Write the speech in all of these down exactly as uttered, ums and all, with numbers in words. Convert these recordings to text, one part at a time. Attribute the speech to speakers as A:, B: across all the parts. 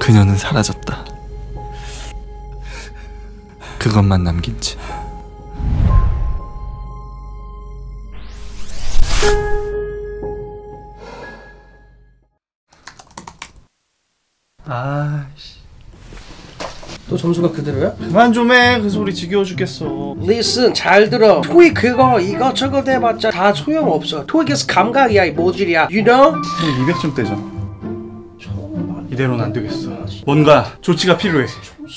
A: 그녀는 사라졌다. 그것만 남긴 채.
B: 아이씨.
C: 또 점수가 그대로야?
B: 그만 좀 해. 그 소리 지겨워 죽겠어.
C: 리슨 잘 들어. 토익 그거 이것저것 해봤자 다 소용없어. 토익에서 감각이야 이 모질이야. You know?
B: 형 이백 점대잖아. 이대로는 안 되겠어. 뭔가 조치가 필요해.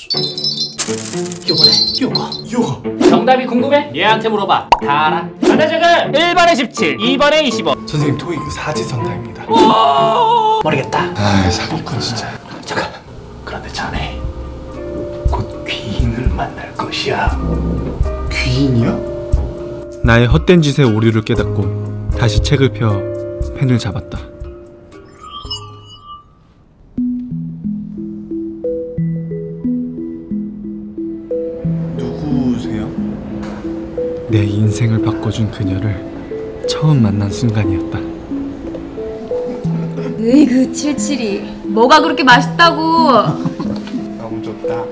C: 요거네 요거
B: 요거.
D: 정답이 궁금해? 얘한테 물어봐. 다 알아. 안다적은 일 번에 십칠, 이 번에 이십오.
A: 선생님 토익 사지선다입니다.
C: 모르겠다.
A: 아 사기꾼 진짜.
C: 잠깐. 그런데 자네 곧 귀인을 만날 것이야.
A: 귀인이요? 나의 헛된 짓의 오류를 깨닫고 다시 책을 펴 펜을 잡았다.
B: 누구세요?
A: 내 인생을 바꿔준 그녀를 처음 만난 순간이었다.
E: 으이그 칠칠이 뭐가 그렇게 맛있다고.
B: 너무 좋다.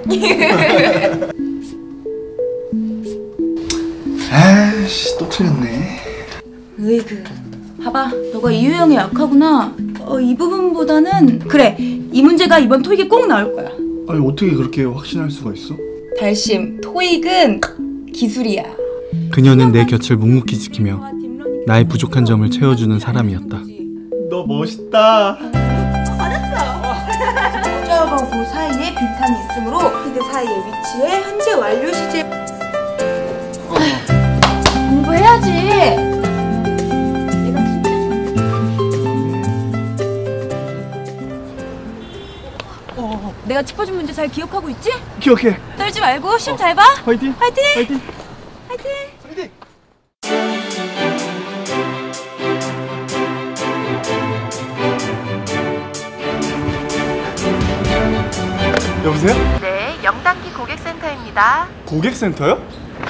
B: 아이씨 또 틀렸네.
E: 으이그 봐봐, 너가 이 유형이 약하구나. 어, 이 부분보다는 그래, 이 문제가 이번 토익에 꼭 나올 거야.
B: 아니 어떻게 그렇게 확신할 수가 있어?
E: 달심, 토익은 기술이야.
A: 그녀는 내 곁을 묵묵히 지키며 나의 부족한 점을 채워주는 사람이었다.
B: 너 멋있다.
E: 저거 그 사이에 빈칸이 있으므로 그 사이의 위치에 현재 완료 시제. 공부해야지. 내가 진짜 어, 내가 짚어준 문제 잘 기억하고 있지?
B: 기억해.
E: 떨지 말고 시험 잘 봐.
B: 화이팅.
E: 화이팅.
B: 화이팅.
E: 화이팅.
B: 화이팅. 여보세요?
F: 네, 영단기 고객센터입니다.
B: 고객센터요?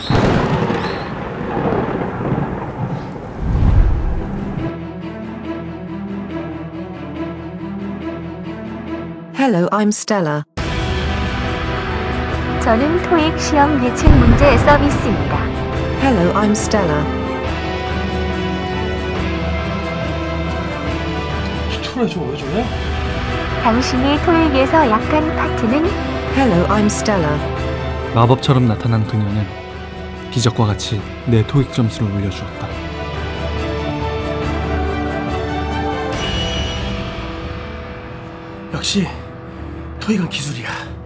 F: Hello, I'm Stella.
G: 저는 토익 시험 예측 문제 서비스입니다.
F: Hello, I'm Stella.
C: 스트레스 왜 저래?
G: 당신이 토익에서 약한 파트는
F: Hello, I'm Stella.
A: 마법처럼 나타난 그녀는 기적과 같이 내 토익 점수를 올려주었다.
C: 역시 토익은 기술이야.